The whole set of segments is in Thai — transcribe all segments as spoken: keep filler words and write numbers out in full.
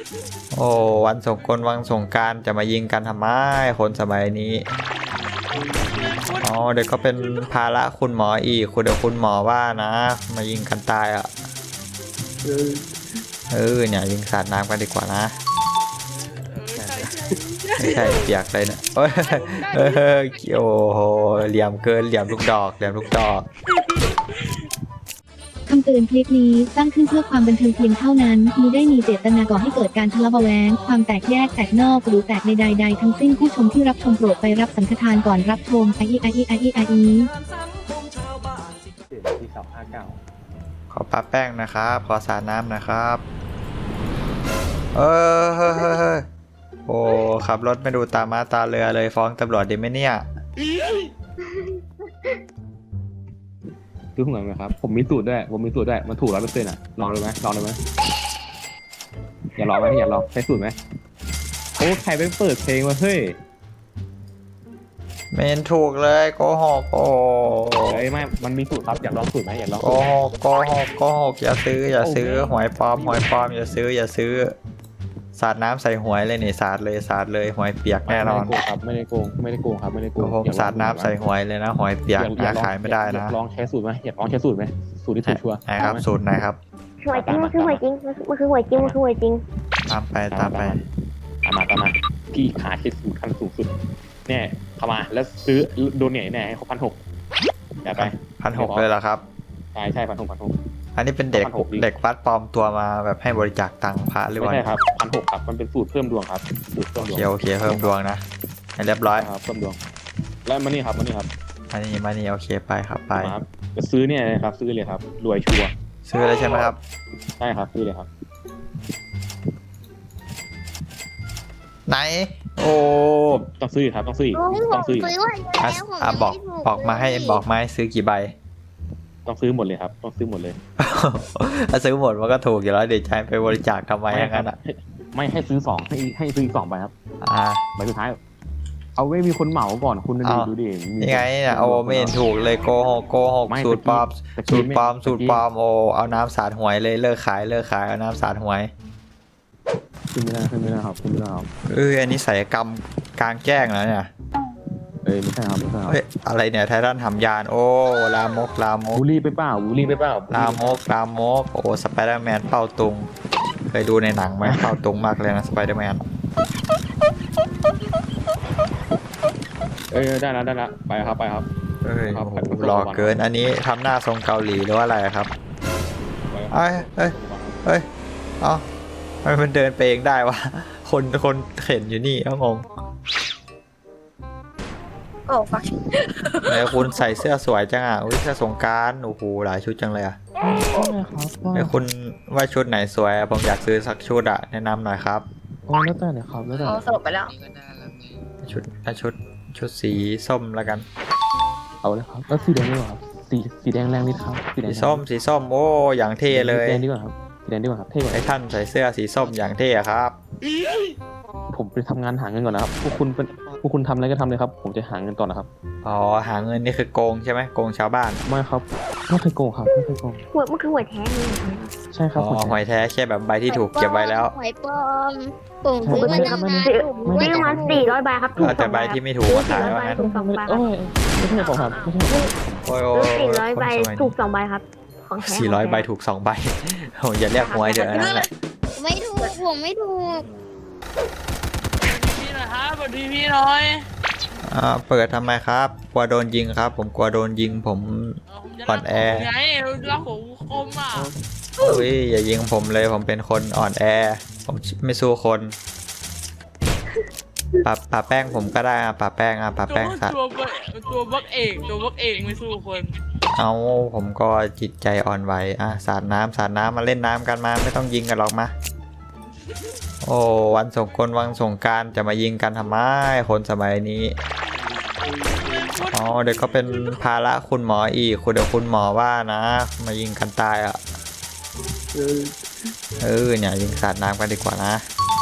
โอ้วันสงกรานต์วันสงกรานต์จะมายิงกันทำไมคนสมัยนี้อ๋อเดี๋ยวก็เป็นภาระคุณหมออีกคุณเดี๋ยวคุณหมอว่านะมายิงกันตายอ่ะเออเนี่ยยิงสาดน้ำกันดีกว่านะไม่ใช่เปียกเลยนะโอ้ยเออโอ้โหเหลี่ยมเกินเหลี่ยมลูกดอกเหลี่ยมลูกดอกคำเตือนคลิปนี้สร้างขึ้นเพื่อความบันเทิงเพียงเท่านั้นมิได้มีเจตนาก่อให้เกิดการทะเลาะเบาะแว้งความแตกแยกแตกนอกหรือแตกในใดๆทั้งสิ้นผู้ชมที่รับชมโปรดไปรับสังฆทานก่อนรับชมไออีไออีไออีไออีที่สองห้าเก้าขอปะแป้งนะครับขอสาดน้ำนะครับเออเฮ้ยเฮ้ยเฮ้ยโอ้ขับรถไม่ดูตามาตาเรือเลยฟ้องตำรวจดีไหมเนี่ยคือเหมือนไหมครับผมมีสูตรด้วยผมมีสูตรด้วยมันถูกร้อยเปอร์เซ็นต์อ่ะลองเลยไหมลองเลยไหมอย่าลองไหมอย่าลองใช้สูตรไหมโอ้ใครไปเปิดเพลงมาเฮ้ยเมนถูกเลยโกหกโอ้เฮ้ยไม่มันมีสูตรครับอยากลองสูตรไหมอยากลองโกหกโกหกโกหกอย่าซื้ออย่าซื้อหวยปลอมหวยปลอมอย่าซื้ออย่าซื้อสาดน้ำใส่หวยเลยนี่สาดเลยสาดเลยหวยเปียกแน่นอนไม่ได้โกงครับไม่ได้โกงไม่ได้โกงครับไม่ได้โกงผมสาดน้ำใส่หวยเลยนะหวยเปียกนะขายไม่ได้นะลองใช้สูตรไหมอยากลองใช้สูตรไหมสูตรที่ถูกชัวร์ไหนครับสูตรไหนครับหวยจริงมันคือหวยจริงมันคือหวยจริงมันคือหวยจริงตามไปตามไปตามมาตามมาพี่ขาใช้สูตรขั้นสูงสุดเนี่ยเข้ามาแล้วซื้อโดนเนี่ยแน่ให้เขาพันหกอยากไปพันหกเลยเหรอครับใช่ใช่พันหกพันหกอันนี้เป็นเด็กเด็กวัดปลอมตัวมาแบบให้บริจาคตังค์พระหรือว่าไม่ใช่ครับพันหกครับมันเป็นสูตรเพิ่มดวงครับสูตรเพิ่มดวงโอเคโอเคเพิ่มดวงนะให้เรียบร้อยครับเพิ่มดวงแล้วมานี่ครับมานี่ครับมานี่มานี่โอเคไปครับไปจะซื้อเนี่ยครับซื้อเลยครับรวยชัวร์ซื้อเลยใช่ไหมครับใช่ครับซื้อเลยครับไหนโอ้ต้องซื้อครับต้องซื้อต้องซื้ออ่ะบอกบอกมาให้บอกมาให้ซื้อกี่ใบต้องซื้อหมดเลยครับต้องซื้อหมดเลยถ้าซื้อหมดมันก็ถูกอยู่แล้วเดี๋ยวใช้ไปบริจาคทำไมอย่างนั้นอ่ะไม่ให้ซื้อสองให้ให้ซื้อสองใบครับอ่าใบสุดท้ายเอาไว้มีคนเหมาก่อนคุณดูดูดิยังไงเนี่ยโอ้ไม่เห็นถูกเลยโกหกโกหกสูตรปลอมสูตรปลอมสูตรปลอมโอ้เอาน้ำสาดหวยเลยเลิกขายเลิกขายเอาน้ำสาดหวยขึ้นไม่ได้ขึ้นไม่ได้ครับขึ้นไม่ได้ครับเอออันนี้ศัลยกรรมกลางแจ้งแล้วเนี่ยเอ้ยไม่ใช่ครับไม่ใช่ครับอะไรเนี่ยไททันทำยานโอ้ลามกลามกบูลลี่ไปเปล่าบูลลี่ไปเปล่าลามกลามกโอ้สไปเดอร์แมนเป้าตุงเคยดูในหนังไหมเป้าตุงมากเลยนะสไปเดอร์แมนเอ้ยได้แล้วได้แล้วไปครับไปครับเอ้ยหล่อเกินอันนี้ทำหน้าทรงเกาหลีหรือว่าอะไรครับเอ้ยเอ้ยเอ้ยอ๋อมันเดินไปเองได้วะคนคนเข็นอยู่นี่เขางงโอ้ฟักแล้วคุณใส่เสื้อสวยจังอ่ะอุ้ยเสื้อสงกรานต์โอ้โหหลายชุดจังเลยอ่ะแล้วคุณว่าชุดไหนสวยผมอยากซื้อสักชุดอ่ะแนะนำหน่อยครับโอ้แล้วแต่เนี่ยครับแล้วแต่เขาสลบไปแล้วชุดชุดชุดสีส้มแล้วกันเอาเลยครับแล้วสีแดงดีกว่าครับสีสีแดงแรงนิดครับสีส้มสีส้มโอ้อย่างเท่เลยสีแดงดีกว่าครับสีแดงดีกว่าครับเท่กว่าไอ้ท่านใส่เสื้อสีส้มอย่างเท่ครับผมไปทำงานหาเงินก่อนนะครับพวกคุณเป็นพวกคุณทำอะไรก็ทำเลยครับผมจะหาเงินก่อนนะครับอ๋อหาเงินนี่คือโกงใช่ไหมโกงชาวบ้านไม่ครับไม่เคยโกงครับไม่เคยโกงหวยมันคือหวยแท้เลยใช่ครับอ๋อหวยแท้แค่แบบใบที่ถูกเก็บไว้แล้วหวยปลอมผมซื้อมาตั้งนานซื้อมาสี่ร้อยใบครับถูกแต่ใบที่ไม่ถูกมาขายไว้ถูกสองใบไม่ใช่ผมครับไม่ใช่โอ้ยสี่ร้อยใบถูกสองใบครับของแท้สี่ร้อยใบถูกสองใบโอ้ยอย่าเรียกหวยเถอะนั่นแหละไม่ถูกผมไม่ถูกพี่หน่อยครับสวัสดีพี่หน่อยอ่าเปิดทำไมครับกลัวโดนยิงครับผมกลัวโดนยิงผมอ่อนแอไงรักผมคมอ่ะอุ้ยอย่ายิงผมเลยผมเป็นคนอ่อนแอผมไม่สู้คนปะปะแป้งผมก็ได้อะปะแป้งอะปะแป้งสัตว์ตัวตัวบักเอกตัวบักเอกไม่สู้คนเอาผมก็จิตใจอ่อนไหวอ่ะสาดน้ำสาดน้ำมาเล่นน้ำกันมาไม่ต้องยิงกันหรอกมาโอ้วันสงกรานต์วันสงกรานต์จะมายิงกันทำไมคนสมัยนี้อ๋อเดี๋ยวก็เป็นภาระคุณหมออีกคุณเดี๋ยวคุณหมอว่านะมายิงกันตายอ่ะเออเนี่ยยิงสาดน้ำกันดีกว่านะ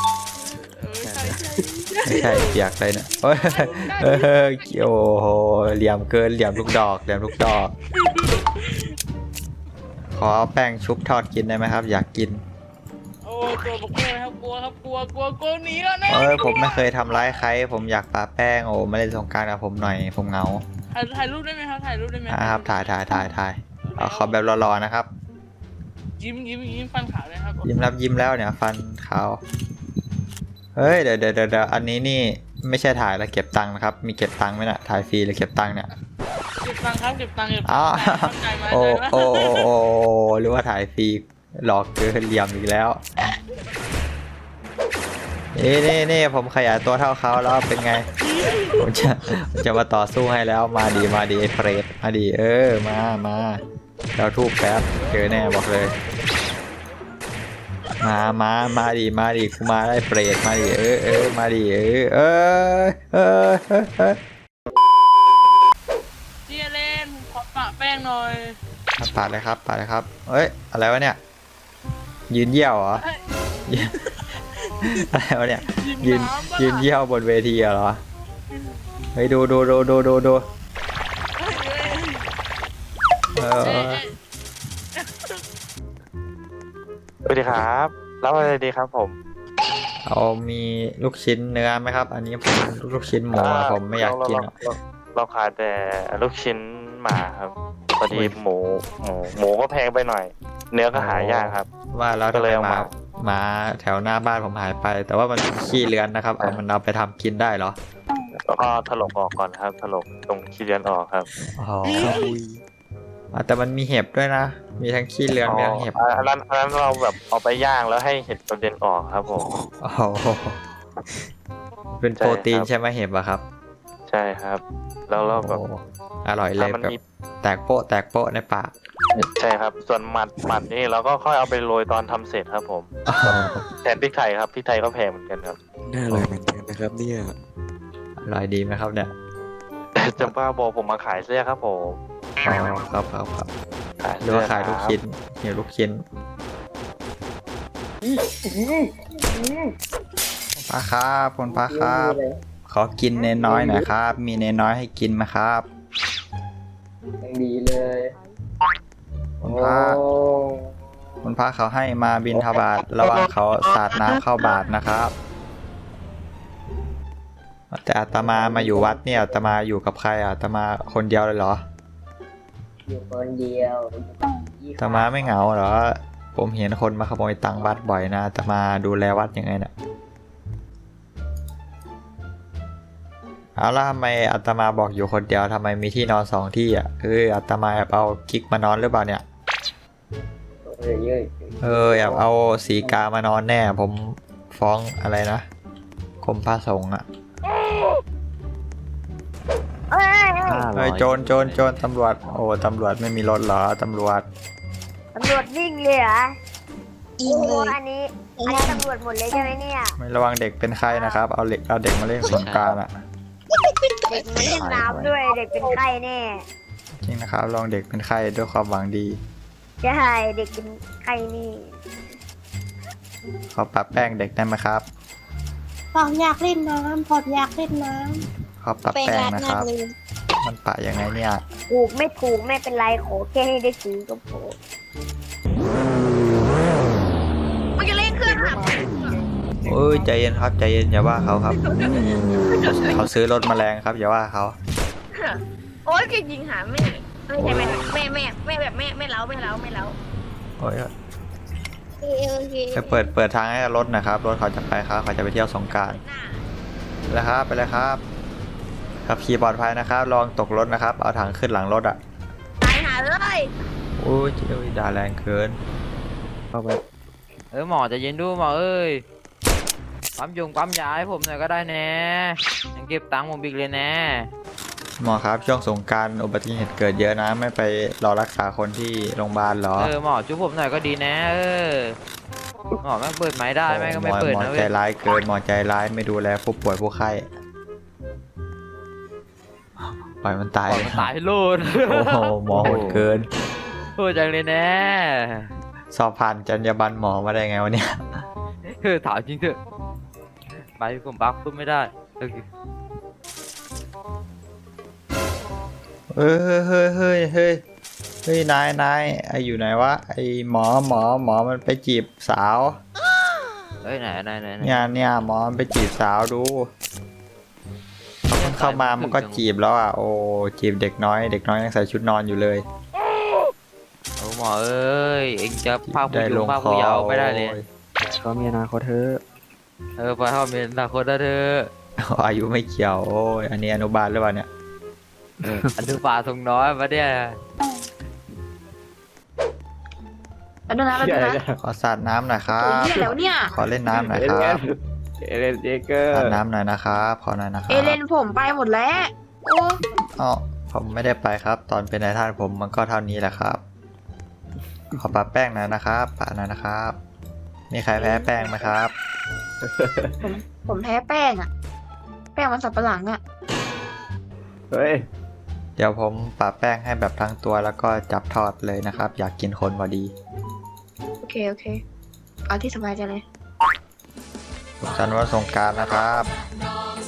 ไม่ใช่เปียกเลยนะโอ้ยเออโอ้โหเหลี่ยมเกินเหลี่ยมลูกดอกเหลี่ยมลูกดอกขอแป้งชุบทอดกินได้ไหมครับอยากกินโอ้ตัวบล็อกเกอร์ครับกลัวครับกลัวกลัวกลัวหนีก่อนนะเอ้ยผมไม่เคยทำร้ายใคร ผมอยากปาแป้งโอ้มาเล่นสงกรานต์กับผมหน่อยผมเหงาถ่ายถ่ายรูปได้ไหมครับถ่ายรูปได้ไหมอ่ะครับถ่ายถ่ายถ่ายถ่ายเอาขอแบบรอๆนะครับยิ้มยิ้มยิ้มฟันขาวเลยครับยิ้มรับยิ้มแล้วเนี่ยฟันขาวเฮ้ยเดี๋ยวเดี๋ยวเดี๋ยวอันนี้นี่ไม่ใช่ถ่ายแล้วเก็บตังค์นะครับมีเก็บตังค์ไหมน่ะถ่ายฟรีหรือเก็บตังค์เนี่ยเก็บตังค์ครับเก็บตังค์เก็บตัอ้าง วค์ใจมาโอ้ใจมาโอ้โอ้โอ้หรือว่าถ่ายฟรีหลอกเกินเหลี่ยมอีกแล้วนี่นี่นี่ผมขยายตัวเท่าเขาแล้วเป็นไงผมจะผมจะมาต่อสู้ให้แล้วมาดีมาดีไอ้เฟรดมาดีเออมามาเราทูบแป๊บเจอแน่บอกเลยมามามาดีมาดีกูมาได้เฟรดมาดีเออเออมาดีเออเออเออเออเออพี่เล่นผมขอปะแป้งหน่อยปาดเลยครับปาดเลยครับเอ้ยอะไรวะเนี่ยยืนเยี่ยวเหรอ อะไรวะเนี่ยยืนน้ำปะยืนเยี่ยวบนเวทีเหรอเฮ้ยดูดูดูดูดูดูเออเอ้ยเอ้ยสวัสดีครับรับอะไรดีครับผมเอามีลูกชิ้นเนื้อไหมครับ อันนี้ผมลูกชิ้นหมูอะผมไม่อยากกินเรอะเราเราขายแต่ลูกชิ้นหมาครับพอดีหมูหมูหมูก็แพงไปหน่อย เนื้อก็หายากครับว่าแล้วก็ทำเลไมยเอาหมามาหมาแถวหน้าบ้านผมหายไป แต่ว่ามันขี้เลือนนะครับเอามันเอาไปทำกินได้เหรอแล้วก็ถลกออกก่อนครับ ถลกตรงขี้เลียนออกครับอ๋ออ่ะแต่มันมีเห็บด้วยนะ มีทั้งขี้เลือนมีทั้งเห็บอ๋ออันนั้นอันนั้นเราแบบเอาไปย่างแล้วให้เห็ดกระเด็นออกครับผมโอ้โหเป็นโปรตีนใช่ไหมเห็บอะครับใช่ครับ แล้วเราแบบโอ้อร่อยเลยมันแบบมีแตกโป๊ะแตกโป๊ะในปากใช่ครับ ส่วนหมัดหมัดนี่เราก็ค่อยเอาไปโรยตอนทำเสร็จครับผมอ๋อแทนพริกไทยครับพริกไทยก็แพงเหมือนกันครับน่าอร่อยเหมือนกันนะครับเนี่ยอร่อยดีไหมครับเนี่ยจำป้าบอกผมมาขายเสื้อครับผมอ๋อครับครับครับขายหรือเสื้อว่าขายลูกชิ้นเหี่ยวลูกชิ้นป้าครับคุณป้าครับ ขอกินเนนน้อยหน่อยครับ มีเนนน้อยให้กินไหมครับยังดีเลยคุณพระคุณพระเขาให้มาบินทบาทระวังเขาสาดน้ำเข้าบาทนะครับ แต่อาตมามาอยู่วัดเนี่ยอาตมาอยู่กับใครอ่ะอาตมาคนเดียวเลยเหรออยู่คนเดียวอาตมาไม่เหงาเหรอ ผมเห็นคนมาขโมยตังค์วัดบ่อยนะอาตมาดูแลวัดยังไงเนี่ยเอาล่ะทำไมอาตมาบอกอยู่คนเดียวทำไมมีที่นอนสองที่อ่ะคืออาตมาแอบเอากิ๊กมานอนหรือเปล่าเนี่ยเยอะเยอะเออแอบเอาสีกามานอนแน่ ผมฟ้องอะไรนะกรมพระสงฆ์อ่ะเอ้ยเฮ้ยโจรโจรโจรตำรวจโอ้ตำรวจไม่มีรถเหรอตำรวจตำรวจวิ่งเลยเหรอโอ้โหอันนี้อันนี้ตำรวจหมดเลยใช่ไหมเนี่ยไม่ระวังเด็กเป็นไข้นะครับ เอาเด็กเอาเด็กมาเล่นสงกรานต์อ่ะเด็กมาเล่นน้ำด้วยเด็กเป็นไข้แน่จริงนะครับลองเด็กเป็นไข้ด้วยความหวังดีใช่เด็กเป็นไข้นี่ขอปรับแป้งเด็กได้ไหมครับผมอยากเล่นน้ำผมอยากเล่นน้ขอปรับำเป็นแป้งรัดนะหคนักรับเลยมันปะยังไงเนี่ยถูกไม่ถูกไม่เป็นไรขอแค่ให้ได้ซื้อก็พอมันจะเล่นเครื่องหับเอ้ยใจเย็นครับใจเย็นอย่าว่าเขาครับ เขาซื้อรถแมลงครับอย่าว่าเขาโอ๊ยจะยิงหาแม่ไม่ใช่แม่แม่แม่แม่แบบแม่แม่เล้าแม่เล้าแม่เล้าโอ้ยโอเคโอเคไปเปิดเปิดทางให้รถหนะครับรถเขาจะไปครับเขาจะไปเที่ยวสงกรานต์หน้าไปเลยครับไปเลยครับขับขี่ปลอดภัยนะครับลองตกรถนะครับ เอาถังขึ้นหลังรถอ่ะตายหาเลยโอ้ยเจ้ยด่าแรงเกินเข้าไปเออหมอจะเย็นดูหมอเอ้ยปั๊มยงปั๊มยาให้ผมหน่อยก็ได้แน่ยังเก็บตังค์ผมอีกเลยแน่หมอครับช่วงสงกรารอุบัติเหตุเกิดเยอะนะไม่ไปรอรักษาคนที่โรงพยาบาลเหรอเออหมอช่วยผมหน่อยก็ดีนะเออหมอแม่งเปิดไม้ได้แม่งก็ไม่หอเปิดหมอนะใจเว้ยร้ายเกินหมอใจร้ายไม่ดูแลผู้ป่วยผู้ไข้ปล่อยมันตายปล่อยเลยมันตายโลดโอ้โหหมอโหดเกินโหดจังเลยแน่สอบผ่านจรรยาบรรณหมอมาได้ไงวะเนี่ยเออถามจริงเถอะไปผมบักปุ๊บไม่ได้โอเคเฮ้ยเฮ้ยเฮ้ยเฮ้ยเฮ้ยเฮ้ยนายนายไออยู่ไหนวะไอหมอหมอหมอมันไปจีบสาวอ้ยไหนไหนไหนไหนเนี่ยเนี่ยหมอมันไปจีบสาวดูพอมันเข้ามามันก็จีบแล้วอ่ะโอ้จีบเด็กน้อยเด็กน้อยยังใส่ชุดนอนอยู่เลยโอ้หมอเอ้ยเอ็งจะภาคผู้ได้หญิลงงภาคคอผู้เยาว์ไม่ได้เลยก็มีอนาคตเธอะเออไปเข้าเมนตาคนละเธอะอายุไม่เกี่ยวโอ้ยอันนี้อนุบาลหรือเปล่าเนี่ยอันทุบาทรงน้อยมาเนี่ยแล้วดูนะแล้วดูนะขอสาดน้ำหน่อยครัโอ้ยบเหี้ยแล้วเนี่ยขอเล่นน้ำหน่อยเอคเลรับนเอเลนเจเกอร์สาดน้ำหน่อยนะครับขอหน่อยนะครัเอบ เลนผมไปหมดแล้ว โอ้อ๋อผมไม่ได้ไปครับ ตอนเป็นนายท่านผมมันก็เท่านี้แหละครับ ขอปะแป้งหน่อยนะครับปะหน่อยนะครับ มีใครแพ้แป้งไหมครับผมผมแพ้แป้งอะแป้งมันสับปะหลังอะเฮ้ยเดี๋ยวผมปะแป้งให้แบบทั้งตัวแล้วก็จับทอดเลยนะครับ อยากกินคนพอดีโอเคโอเคเอาที่สบายใจเลยสุขสันต์วันสงกรานต์นะครับส